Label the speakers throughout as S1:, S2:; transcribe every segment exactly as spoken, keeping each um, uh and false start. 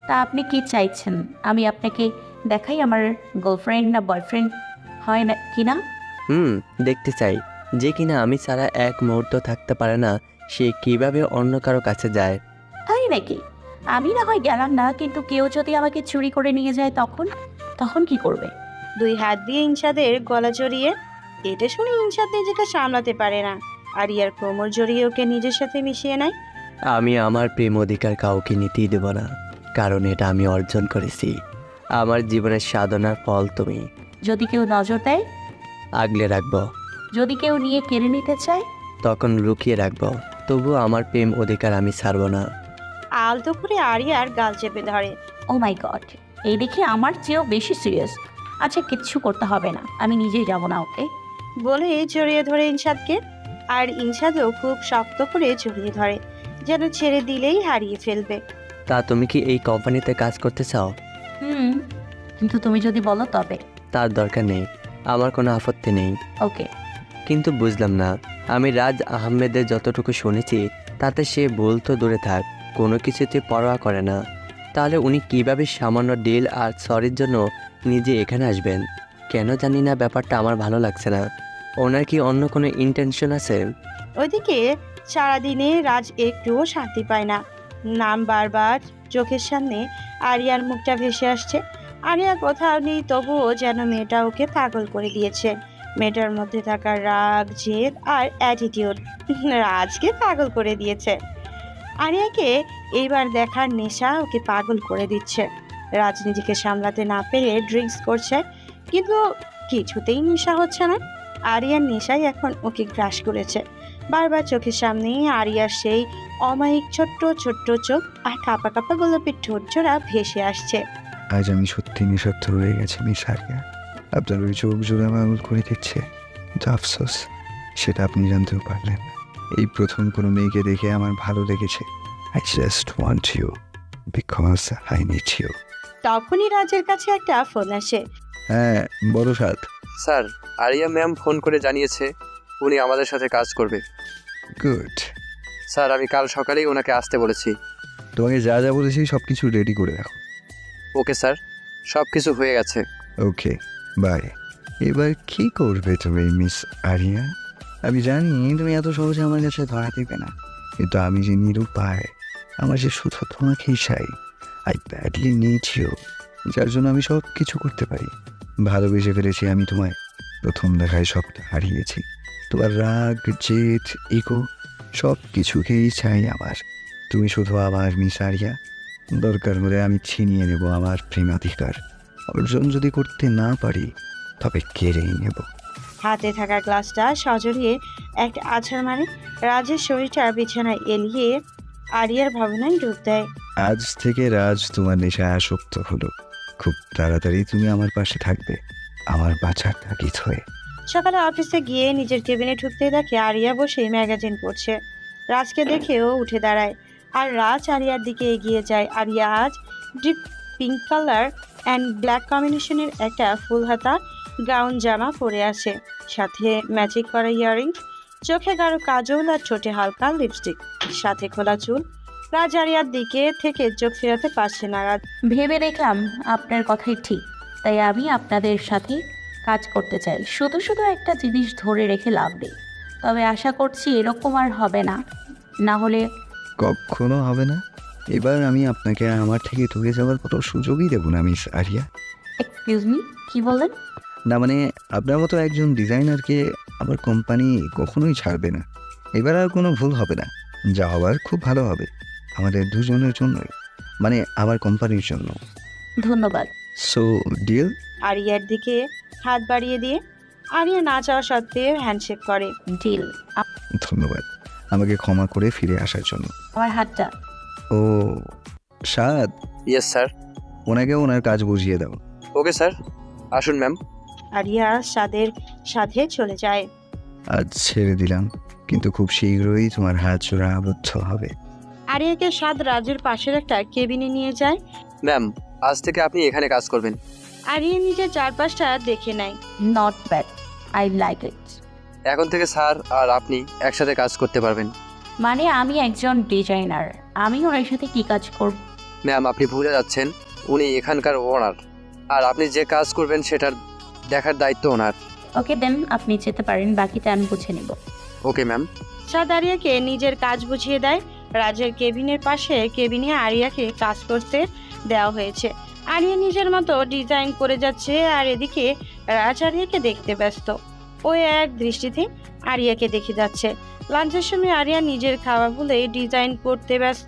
S1: তা আপনি কি চাইছেন আমি আপনাকে দেখাই আমার গার্লফ্রেন্ড না বয়ফ্রেন্ড হয় না কিনা?
S2: হুম, দেখতে চাই। যে কিনা আমি ছাড়া এক মুহূর্ত থাকতে পারে না, সে কিভাবে অন্য কারো কাছে যায়।
S1: তাই নাকি? আমি না হয় গেলাম না, কিন্তু কেউ যদি আমাকে চুরি করে নিয়ে যায় তখন তখন কি করবে?
S3: দুই হাত দিয়ে ইনশাদের গলা জড়িয়ে। এটা শুনে ইনশাদ নিজেকে সামলাতে পারে না। আরিয়ার কোমর জড়িয়ে ওকে নিজের সাথে মিশিয়ে নেয়।
S2: আমি আমার প্রেম অধিকার কাউকে নিতেই দেব না, কারণ এটা আমি অর্জন করেছি। আমার জীবনের সাধনার ফল তুমি।
S1: যদি কেউ নজর দেয়,
S2: আগলে রাখবো,
S1: যদি কেউ নিয়ে কেড়ে নিতে চায়,
S2: তখন লুকিয়ে রাখবো। তবুও আমার প্রেম অধিকার আমি ছাড়বো না।
S3: আলতো করে আরিয়ার গাল চেপে ধরে।
S1: ও মাই গড, এই দেখে আমার চেয়েও বেশি সিরিয়াস। আচ্ছা, কিচ্ছু করতে হবে না, আমি নিজেই যাব না ওকে।
S3: বলে জড়িয়ে ধরে ইনশাদকে। আর ইনশাদও খুব শক্ত করে জড়িয়ে ধরে, যেন ছেড়ে দিলেই হারিয়ে ফেলবে।
S2: তা তুমি কি এই কোম্পানিতে কাজ করতে চাও?
S1: হুম, কিন্তু তুমি যদি বলো তবে।
S2: তার দরকার নেই, আমার কোনো আপত্তি নেই।
S1: ওকে।
S2: কিন্তু বুঝলাম না, আমি রাজ আহমেদের যতটুকু শুনেছি তাতে সে ভুল তো দূরে থাক, কোনো কিছুতে পরোয়া করে না। তাহলে উনি কিভাবে সামান্য ডিল আর সরির জন্য নিজে এখানে আসবেন? কেন জানি না, ব্যাপারটা আমার ভালো লাগছে না। ওনার কি অন্য কোনো ইন্টেনশন আছে?
S3: ওইদিকে সারাদিনে রাজ একটুও শান্তি পায় না। নাম বারবার চোখের সামনে আরিয়ার মুখটা ভেসে আসছে। আরিয়া কোথাও নেই, তবুও যেন মেয়েটা ওকে পাগল করে দিয়েছে। মেয়েটার মধ্যে থাকা রাগ, জেদ আর অ্যাটিটিউড রাজকে পাগল করে দিয়েছে। আরিয়াকে এইবার দেখার নেশা ওকে পাগল করে দিচ্ছে। রাজ নিজেকে সামলাতে না পেরে ড্রিঙ্কস করছে, কিন্তু কিছুতেই নেশা হচ্ছে না। আরিয়ার নেশাই এখন ওকে গ্রাস করেছে। বারবার চোখের সামনে আরিয়ার সেই অমায়িক ছোট্ট ছোট্ট চোখ আর কাপা কাপা গোলাপি ঠোঁট জোড়া ভেসে আসছে।
S4: আজ আমি সত্যি নিঃস্বার্থ হয়ে গেছি মিস আরিয়া। আপনার ওই চোখ জোড়া পাগল করে দিচ্ছে, কিন্তু আফসোস সেটা আপনি জানতেও পারলেন না। এই প্রথম কোনো মেয়েকে দেখে আমার ভালো লেগেছে। I just want you because I need you.
S3: তখনই রাজের কাছে একটা ফোন আসে।
S4: হ্যাঁ, বড় সাত।
S5: স্যার, আরিয়া ম্যাম ফোন করে জানিয়েছে উনি আমাদের সাথে কাজ করবে।
S4: গুড।
S5: স্যার, আমি কাল সকালেই ওনাকে আসতে বলেছি।
S4: তোমাকে যা যা বলেছি সব কিছু রেডি করে রাখো।
S5: ওকে স্যার, সব কিছু হয়ে গেছে।
S4: Okay, bye. এবার কি করবে তুমি মিস আরিয়া? আমি জানি তুমি এত সহজে আমার কাছে ধরা দেবে না, কিন্তু আমি যে নিরুপায়, আমার যে শুধু তোমাকেই চাই। আই ব্যাডলি নিড ইউ, যার জন্য আমি সব কিছু করতে পারি। ভালোবেসে ফেলেছি আমি তোমায়, প্রথম দেখায় সবটা হারিয়েছি। তোমার রাগ, জেদ, ইগো সব কিছুকেই চাই আমার। তুমি শুধু আমার মিস আরিয়া। দরকার হলে আমি ছিনিয়ে নেব আমার প্রেমাধিকার। অর্জন যদি করতে না পারি, তবে কেড়েই নেব।
S3: হাতে থাকা গ্লাসটা সজরিয়ে একটা আছাড় মারে। রাজের শরীরটা বিছানায় এলিয়ে আরিয়ার ভাবনায় ডুব দেয়।
S4: আজ থেকে রাজ তোমার নেশায় আসক্ত হলো। খুব তাড়াতাড়ি তুমি আমার পাশে থাকবে, আমার বাঁচার তাগিদ হয়ে।
S3: সকালে অফিসে গিয়ে নিজের কেবিনে ঢুকতে দেখে আরিয়া বসে ম্যাগাজিন পড়ছে। রাজকে দেখেও উঠে দাঁড়ায়, আর রাজ আরিয়ার দিকে এগিয়ে যায়। আরিয়া আজ deep pink colour and black কম্বিনেশনের একটা ফুল হাতা গাউন জামা পরে আছে, সাথে ম্যাচিং করা ইয়াররিংস, চোখে গাঢ় কাজল আর ঠোঁটে হালকা লিপস্টিক, সাথে খোলা চুল। রাজ আরিয়ার দিকে থেকে চোখ ফেরাতে পারছে না। রাজ
S1: ভেবে দেখলাম আপনার কথাই ঠিক, তাই আমি আপনাদের সাথে কাজ করতে চাই। শুধু শুধু একটা জিনিস ধরে রেখে লাভ নেই, তবে আশা করছি এরকম আর হবে না। না হলে
S4: কখনো হবে না। এবার আমি আপনাকে আমার থেকে দূরে যাওয়ার কোনো সুযোগই দেবো না মিস আরিয়া।
S1: এক্সকিউজ মি, কি বলেন?
S4: না মানে, আপনার মতো একজন ডিজাইনারকে আমার কোম্পানি কখনোই ছাড়বে না। এবার আর কোনো ভুল হবে না, যা হবার খুব ভালো হবে আমাদের দুজনের জন্যই, মানে আমার কোম্পানির জন্য।
S1: ধন্যবাদ।
S4: So deal.
S3: আরিয়ার দিকে হাত বাড়িয়ে দিয়ে আরিয়া না চাওয়া সত্ত্বেও হ্যান্ডশেক করে।
S1: ডিল।
S4: ধন্যবাদ আমাকে ক্ষমা করে ফিরে আসার জন্য।
S1: আমার হাতটা।
S4: ও সাদ,
S5: ইয়েস স্যার।
S4: ওনাকে ওনার কাজ বুঝিয়ে দাও।
S5: ওকে স্যার, আসুন ম্যাম।
S3: আরিয়া সাদের সাথে চলে যায়।
S4: আজ ছেড়ে দিলাম, কিন্তু খুব শীঘ্রই তোমার হাত জোড়া আবদ্ধ হবে।
S3: আরিয়াকে সাদ রাজের পাশের একটা কেবিনে নিয়ে যায়।
S5: ম্যাম, আজ থেকে আপনি এখানে কাজ করবেন।
S3: আরিয়া নিজের চারপাশটা দেখে নেয়।
S1: Not bad, I like it.
S5: এখন থেকে স্যার আর আপনি একসাথে কাজ করতে পারবেন।
S1: মানে আমি একজন ডিজাইনার, আমি ওনার সাথে কি কাজ করব?
S5: ম্যাম আপনি ভুলে যাচ্ছেন, উনি এখানকার ওনার, আর আপনি যে কাজ করবেন সেটার দেখার দায়িত্ব ওনার।
S1: ওকে দেন, আপনি যেতে পারেন, বাকিটা আমি বুঝে নেব।
S5: Okay ma'am.
S3: সাদ আরিয়াকে নিজের কাজ বুঝিয়ে দেয়। রাজের কেবিনের পাশে কেবিনে আরিয়াকে কাজ করতে দেওয়া হয়েছে। আরিয়া নিজের মতো ডিজাইন করে যাচ্ছে, আর এদিকে রাজ আরিয়াকে দেখতে ব্যস্ত। ও এক দৃষ্টিতে আরিয়াকে দেখে যাচ্ছে। লাঞ্চের সময় আরিয়া নিজের খাওয়া বলে ডিজাইন করতে ব্যস্ত।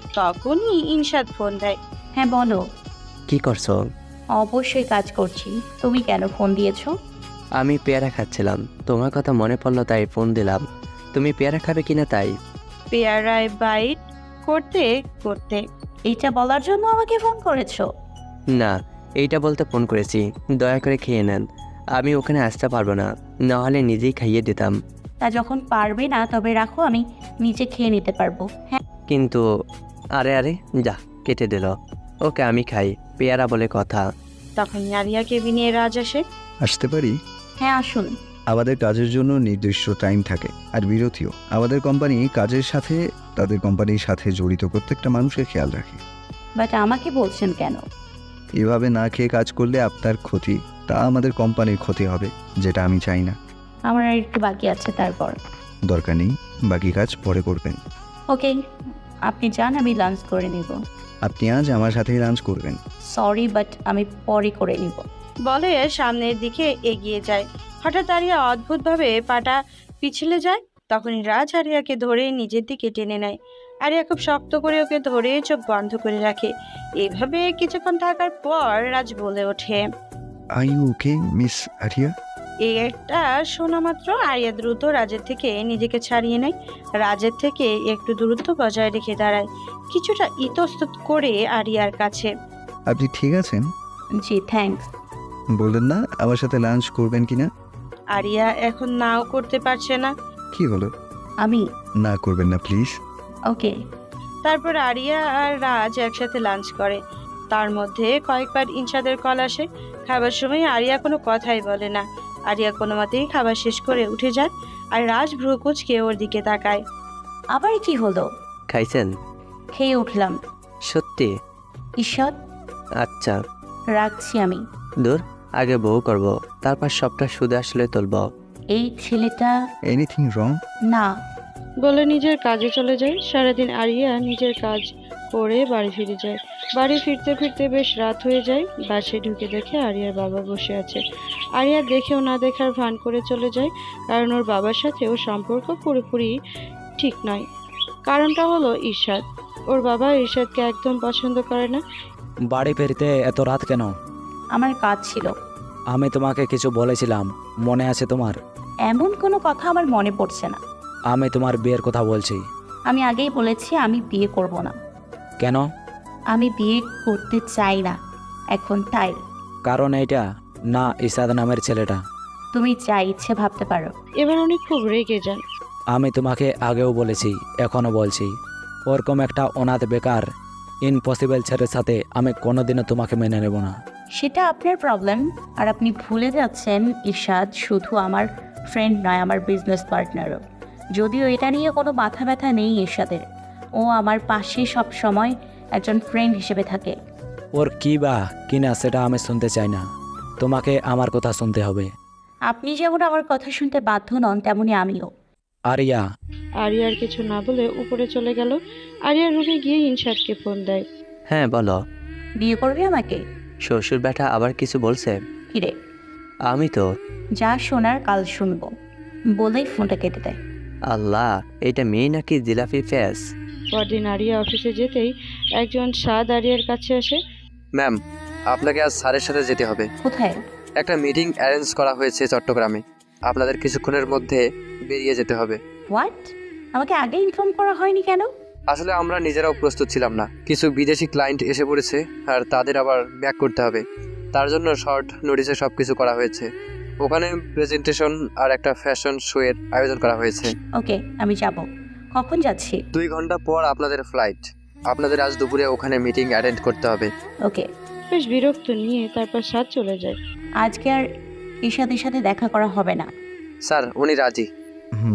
S3: তখনই ইনশাদ ফোন দেয়।
S1: হ্যাঁ বলো।
S2: কি করছো?
S1: অবশ্যই কাজ করছি, তুমি কেন ফোন দিয়েছো?
S2: আমি পেয়ারা খাচ্ছিলাম, তোমার কথা মনে পড়লো তাই ফোন দিলাম। তুমি পেয়ারা খাবে কিনা তাই।
S3: পেয়ারায় বাইট করতে করতে
S1: এইটা বলার জন্য আমাকে ফোন করেছো?
S2: না, এইটা বলতে ফোন করেছি, দয়া করে খেয়ে নেন। আমি ওখানে আসতে পারবো না, নাহলে নিজেই খাইয়ে দিতাম।
S1: তা যখন পারবে না তবে রাখো, আমি নিজে খেয়ে নিতে পারবো। হ্যাঁ
S2: কিন্তু আরে আরে যা, কেটে দিল। ওকে আমি খাই, পেয়ারা বলে কথা।
S3: তখন আরিয়া কেবিনে রাজ আসে।
S4: আসতে পারি?
S1: হ্যাঁ আসুন।
S4: আমাদের কাজের জন্য নির্দিষ্ট টাইম থাকে, আর বিরতিও। আমাদের কোম্পানি কাজের সাথে তাদের কোম্পানির সাথে জড়িত প্রত্যেকটা মানুষের খেয়াল রাখে।
S1: বাট আমাকে বলছেন কেন?
S4: এভাবে না খেয়ে কাজ করলে আপনার ক্ষতি, তা আমাদের কোম্পানির ক্ষতি হবে, যেটা আমি চাই না।
S1: আমার আর একটু বাকি আছে, তারপর।
S4: দরকার নেই, বাকি কাজ পরে করবেন।
S1: ওকে, আপনি যান, আমি লাঞ্চ করে নিব।
S4: আপনি আজ আমার সাথেই লাঞ্চ করবেন।
S1: সরি, বাট আমি পরে করে নিব।
S3: বলে সামনের দিকে এগিয়ে যায়। হঠাৎ আরিয়া অদ্ভুতভাবে পাটা পিছলে যায়। তখনই রাজ আরিয়াকে ধরে নিজের দিকে টেনে নেয়। আরিয়া খুব শক্ত করে ওকে ধরে চোখ বন্ধ করে রাখে। এভাবে কিছুক্ষণ থাকার পর রাজ বলে ওঠে।
S4: Are you okay miss Aria?
S3: এই একটা শোনা মাত্র আরিয়া দ্রুত রাজের থেকে নিজেকে ছাড়িয়ে নেয়। রাজের থেকে একটু দূরত্ব বজায় রেখে দাঁড়ায়, কিছুটা ইতস্তত করে আরিয়ার কাছে।
S4: আপনি ঠিক আছেন?
S1: জি থ্যাঙ্কস।
S4: বললেন না আমার সাথে লাঞ্চ করবেন কিনা?
S3: আরিয়া এখন নাও করতে পারছে না।
S4: কি হলো?
S1: আমি
S4: না করবেন না প্লিজ।
S1: ওকে।
S3: তারপর আরিয়া আর রাজ একসাথে লাঞ্চ করে। তার মধ্যে কয়েকবার ইনশাদের কল আসে। খাবার সময় আরিয়া কোনো কথাই বলে না। আরিয়া কোনো মতেই খাবার শেষ করে উঠে যায়, আর রাজ ভ্রু কুঁচকে ওর দিকে তাকায়।
S1: আবার কি হলো?
S2: খাইছেন?
S1: খেয়ে উঠলাম।
S2: সত্যি?
S1: ঈশ্বর,
S2: আচ্ছা,
S1: রাখছি আমি।
S2: দূর, আগে বউ করব, তারপর সবটা সুদে আসলে তুলব।
S1: এই ছেলেটা
S4: এনিথিং রং?
S1: না।
S3: বলে নিজের কাজে চলে যায়। সারাদিন আরিয়া নিজের কাজ করে বাড়ি ফিরে যায়। বাড়ি ফিরতে ফিরতে বেশ রাত হয়ে যায়। বাসে ঢুকে দেখে আরিয়ার বাবা বসে আছে। আরিয়া দেখেও না দেখার ভান করে চলে যায়, কারণ ওর বাবার সাথে ওর সম্পর্ক পুরোপুরি ঠিক নয়। কারণটা হলো ইরশাদ। ওর বাবা ইরশাদকে একদম পছন্দ করে না।
S6: বাড়ি ফিরতে এত রাত কেন?
S1: আমার কাজ ছিল।
S6: আমি তোমাকে কিছু বলেছিলাম, মনে আছে তোমার?
S1: এমন কোনো কথা আমার মনে পড়ছে না।
S6: আমি তোমার বিয়ের কথা বলছি।
S1: আমি আগেই বলেছি আমি বিয়ে করব না।
S6: কেন?
S1: আমি বিয়ে করতে চাই না এখন, তাই।
S6: কারণ এইটা না ইসাদ নামের ছেলেটা।
S1: তুমি যা ইচ্ছে ভাবতে পারো।
S3: এবার উনি খুব রেগে যান।
S6: আমি তোমাকে আগেও বলেছি, এখনও বলছি, ওরকম একটা অনাথ বেকার ইম্পসিবল ছেলের সাথে আমি কোনোদিনও তোমাকে মেনে নেব না।
S1: সেটা আপনার প্রবলেম। আর আপনি ভুলে যাচ্ছেন ইরশাদ শুধু আমার ফ্রেন্ড নয়, আমার বিজনেস পার্টনারও। যদিও এটা নিয়ে কোনো মাথা ব্যথা নেই ইরশাদের। ও আমার পাশে সব সময় একজন ফ্রেন্ড হিসেবে থাকে।
S6: ওর কী বা কিনা সেটা আমি শুনতে চাই না, তোমাকে আমার কথা শুনতে হবে।
S1: আপনি যেমন আমার কথা শুনতে বাধ্য নন, তেমনি আমিও।
S6: আরিয়া।
S3: আরিয়ার কিছু না বলে উপরে চলে গেল। আরিয়ার রুমে গিয়ে ইনশাদকে ফোন দেয়।
S2: হ্যাঁ বলো।
S1: বিয়ে করবে আমাকে?
S2: শ্বশুর ব্যাটা আবার কিছু বলছে?
S1: কিরে?
S2: আমি তো
S1: যা শোনার কাল শুনবো বলেই ফোনটা কেটে দেয়।
S2: আল্লাহ, এটা মেয়ে নাকি জিলাপি ফেস?
S3: পরদিন আরিয়া অফিসে যেতেই একজন সাদ আরিয়ার কাছে আসে।
S5: ম্যাম আপনাকে আজ স্যারের সাথে যেতে হবে।
S1: কোথায়?
S5: একটা মিটিং অ্যারেঞ্জ করা হয়েছে চট্টগ্রামে, আপনাদের কিছুক্ষণের মধ্যে বেরিয়ে যেতে হবে।
S1: হোয়াট? আমাকে আগে ইনফর্ম করা হয়নি কেন?
S5: আসলে আমরা নিজেরাও প্রস্তুত ছিলাম না, কিছু বিদেশি ক্লায়েন্ট এসে পড়েছে আর তাদের আবার ব্যাক করতে হবে, তার জন্য শর্ট নোটিসে সব কিছু করা হয়েছে। ওখানে প্রেজেন্টেশন আর একটা ফ্যাশন শো এর আয়োজন করা হয়েছে।
S1: ওকে, আমি যাব। কখন যাচ্ছি?
S5: দুই ঘন্টা পর আপনাদের ফ্লাইট। আপনাদের আজ দুপুরে ওখানে মিটিং অ্যাটেন্ড করতে হবে।
S1: ওকে।
S3: বেশ বিরক্ত নিয়ে তারপর সাদ চলে যায়।
S1: আজকে আর ইরশাদের সাথে দেখা করা হবে না।
S5: স্যার উনি রাজি।
S4: হুম,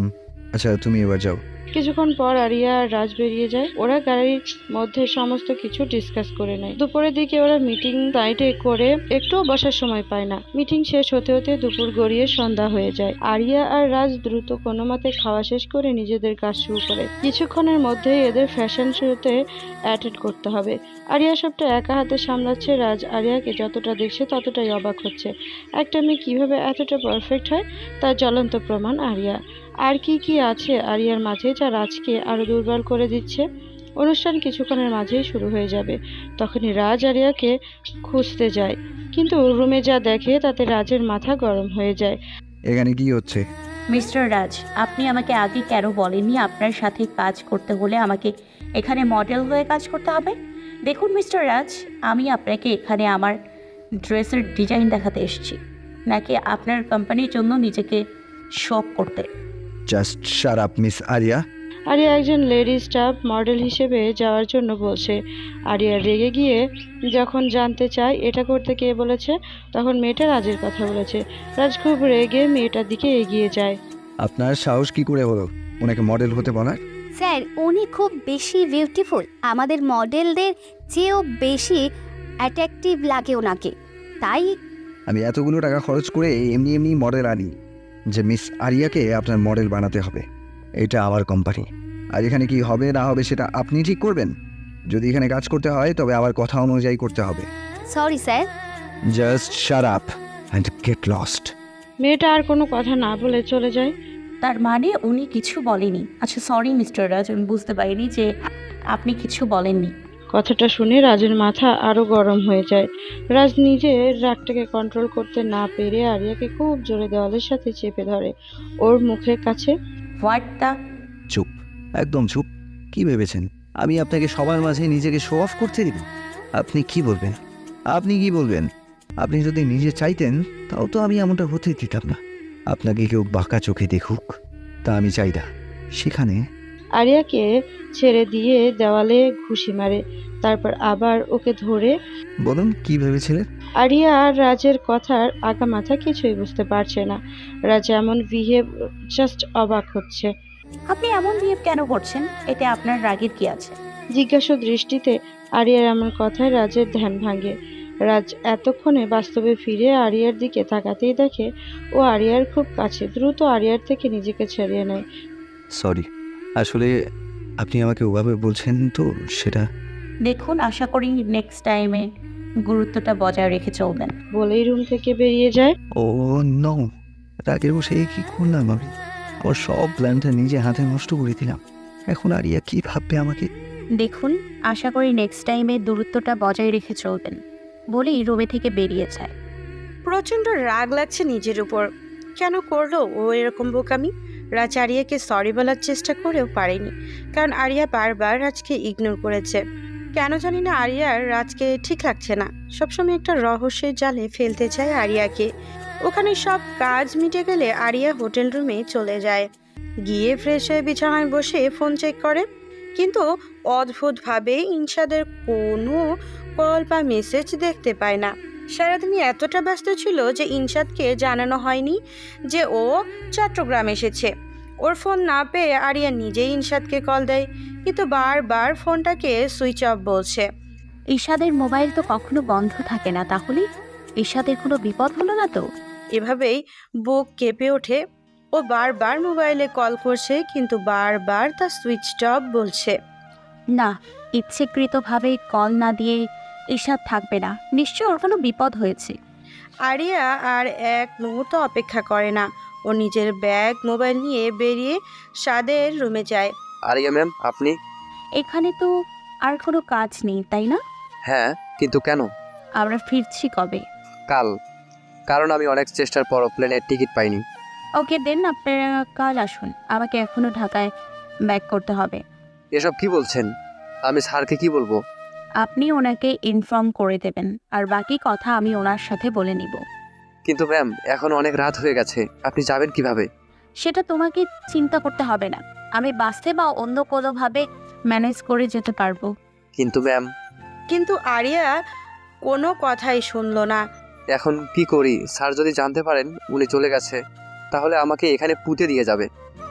S4: আচ্ছা তুমি এবার যাও।
S3: কিছুক্ষণ পর আরিয়া আর রাজ বেরিয়ে যায়। ওরা গাড়ির মধ্যে সমস্ত কিছু ডিসকাস করে নেয়। দুপুরের দিকে ওরা মিটিং সাইটে করে একটুও বসার সময় পায় না। মিটিং শেষ হতে হতে দুপুর গড়িয়ে সন্ধ্যা হয়ে যায়। আরিয়া আর রাজ দ্রুত কোনো মতে খাওয়া শেষ করে নিজেদের কাজ শুরু করে। কিছুক্ষণের মধ্যেই এদের ফ্যাশন শোতে অ্যাটেন্ড করতে হবে। আরিয়া সবটা একা হাতে সামলাচ্ছে। রাজ আরিয়াকে যতটা দেখছে ততটাই অবাক হচ্ছে। একটা মেয়ে কিভাবে এতটা পারফেক্ট হয় তার জ্বলন্ত প্রমাণ আরিয়া। আর কি কি আছে আরিয়ার মাঝে যা রাজকে আরো দুর্বল করে দিচ্ছে। অনুষ্ঠান কিছুক্ষণের মাঝেই শুরু হয়ে যাবে। তখনই রাজ আরিয়াকে খুঁজতে যায়, কিন্তু রুমে যা দেখে তাতে রাজের মাথা গরম হয়ে যায়।
S4: এখানে কি হচ্ছে?
S1: মিস্টার রাজ, আপনি আমাকে আগে কেন বলেননি আপনার সাথে কাজ করতে হলে আমাকে এখানে মডেল হয়ে কাজ করতে হবে? দেখুন মিস্টার রাজ, আমি আপনাকে এখানে আমার ড্রেসের ডিজাইন দেখাতে এসেছি, নাকি আপনার কোম্পানির জন্য নিজেকে শপ করতে?
S4: Just shut up miss Aria.
S3: Aria একজন লেডি স্টাফ মডেল হিসেবে যাওয়ার জন্য বলছে। আরিয়া রেগে গিয়ে যখন জানতে চায় এটা করতে কে বলেছে, তখন মেয়েটা রাজের কথা বলেছে। রাজ খুব রেগে মেয়েটার দিকে এগিয়ে যায়।
S4: আপনার সাহস কি করে হলো ওনাকে মডেল হতে বলার?
S7: স্যার, উনি খুব বেশি বিউটিফুল, আমাদের মডেলদের চেয়েও বেশি অ্যাট্রাকটিভ লাগে ওনাকে, তাই
S4: আমি এতগুলো টাকা খরচ করে এমনি এমনি মডেল আনি যে মিস আরিয়াকে আপনার মডেল বানাতে হবে। এটা আমার কোম্পানি, আর এখানে কি হবে না হবে সেটা আপনি ঠিক করবেন। যদি এখানে কাজ করতে হয় তবে আমার কথা অনুযায়ী করতে হবে।
S7: Sorry sir.
S4: Just shut up and get lost.
S3: মেয়েটা আর কোনো কথা না বলে চলে যায়।
S1: তার মানে উনি কিছু বলেনি? আচ্ছা সরি মিস্টার রাজ, আমি বুঝতে পারিনি যে আপনি কিছু বলেননি।
S3: কথাটা শুনে রাজের মাথা আরো গরম হয়ে যায়। রাজ নিজের রাগটাকে কন্ট্রোল করতে না পেরে আরিয়াকে খুব জোরে দেওয়ালের সাথে চেপে ধরে ওর মুখের কাছে।
S1: What the?
S4: চুপ, একদম চুপ। কি ভেবেছেন আমি আপনাকে সবার মাঝে নিজেকে শো অফ করতে দিব? আপনি কি বলবেন? আপনি কি বলবেন? আপনি যদি নিজে চাইতেন তাও তো আমি এমনটা হতে দিতাম না। আপনাকে কেউ বাঁকা চোখে দেখুক তা আমি চাই না। সেখানে
S3: আরিয়াকে ছেড়ে দিয়ে দেওয়ালে ঘুষি মারে, তারপর আবার ওকে ধরে।
S4: বলুন কি ভেবেছিলেন?
S3: আরিয়া আর রাজের কথার আগা মাথা কিছুই বুঝতে পারছে না। রাজ এমন বিহেভ জাস্ট অবাক হচ্ছে।
S1: আপনি এমন বিহেভ কেন করছেন? এতে আপনার রাগের কি আছে?
S3: জিজ্ঞাসু দৃষ্টিতে আরিয়ার এমন কথায় রাজের ধ্যান ভাঙে। রাজ এতক্ষণে বাস্তবে ফিরে আরিয়ার দিকে তাকাতেই দেখে ও আরিয়ার খুব কাছে। দ্রুত আরিয়ার থেকে নিজেকে ছাড়িয়ে নেয়।
S4: সরি, আসলে আপনি আমাকে ওভাবে বলছেন তো সেটা।
S1: দেখুন, আশা করি নেক্সট টাইমে গুরুত্বটা বজায় রেখে চলবেন।
S3: বলেই রুম থেকে বেরিয়ে যায়।
S4: ও নো, রাগের বসে কি করলাম আমি? আমার সব প্ল্যানটা নিজে হাতে নষ্ট করে দিলাম। এখন আরিয়া কি ভাববে আমাকে?
S1: দেখুন, আশা করি নেক্সট টাইমে দূরত্বটা বজায় রেখে চলবেন, বলেই রুমে থেকে বেরিয়ে যায়।
S8: প্রচণ্ড রাগ লাগছে নিজের উপর। কেন করলো ও এরকম বোকামি? রাজ আরিয়াকে সরি বলার চেষ্টা করেও পারেনি, কারণ আরিয়া বারবার রাজকে ইগনোর করেছে। কেন জানি না আরিয়ার রাজকে ঠিক লাগছে না। সবসময় একটা রহস্যের জালে ফেলতে চায় আরিয়াকে। ওখানে সব কাজ মিটে গেলে আরিয়া হোটেল রুমে চলে যায়। গিয়ে ফ্রেশ হয়ে বিছানায় বসে ফোন চেক করে, কিন্তু অদ্ভুতভাবে ইনশাদের কোনো কল বা মেসেজ দেখতে পায় না। সারাদিনই এতটা ব্যস্ত ছিল যে ইনশাদকে জানানো হয়নি যে ও চট্টগ্রাম এসেছে। ওর ফোন না পেয়ে আরিয়া নিজেই ইনশাদকে কল দেয়, কিন্তু বারবার ফোনটাকে সুইচ অফ বলছে।
S1: ঈশাদের মোবাইল তো কখনো বন্ধ থাকে না, তাহলে ঈশাদের কোনো বিপদ হলো না তো?
S8: এভাবেই বুক কেঁপে ওঠে। ও বারবার মোবাইলে কল করছে, কিন্তু বারবার তা সুইচ অফ বলছে।
S1: না, ইচ্ছেকৃতভাবে কল না দিয়ে ঈশাদ থাকবে না, নিশ্চয় ওর কোনো বিপদ হয়েছে।
S8: আরিয়া আর এক মুহূর্ত অপেক্ষা করে না। ও নিজের ব্যাগ মোবাইল নিয়ে বেরিয়ে সাদের রুমে যায়।
S5: আরিয়া ম্যাম, আপনি?
S1: এখানে তো আর কোনো কাজ নেই, তাই না?
S5: হ্যাঁ, কিন্তু কেন?
S1: আমরা ফিরছি কবে?
S5: কাল। কারণ আমি অনেক চেষ্টার পরও প্লেনের টিকিট পাইনি।
S1: ওকে দেন, আপনারা কাল আসুন। আমাকে এখনও ঢাকায় ব্যাক করতে হবে।
S5: এসব কি বলছেন? আমি স্যারকে কি বলবো?
S1: আপনি ওনাকে ইনফর্ম করে দেবেন, আর বাকি কথা আমি ওনার সাথে বলে নিব।
S5: কিন্তু ম্যাম, এখন অনেক রাত হয়ে গেছে, আপনি যাবেন কিভাবে?
S1: সেটা তোমাকে চিন্তা করতে হবে না, আমি বাসে বা অন্য কোনোভাবে ম্যানেজ করে যেতে পারবো।
S5: কিন্তু ম্যাম।
S8: কিন্তু আরিয়া কোনো কথাই শুনল না।
S5: এখন কি করি? স্যার যদি জানতে পারেন উনি চলে গেছে, তাহলে আমাকে এখানে পুঁতে দিয়ে যাবে।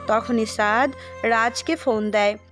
S8: তখনই সাদ রাজকে ফোন দেয়।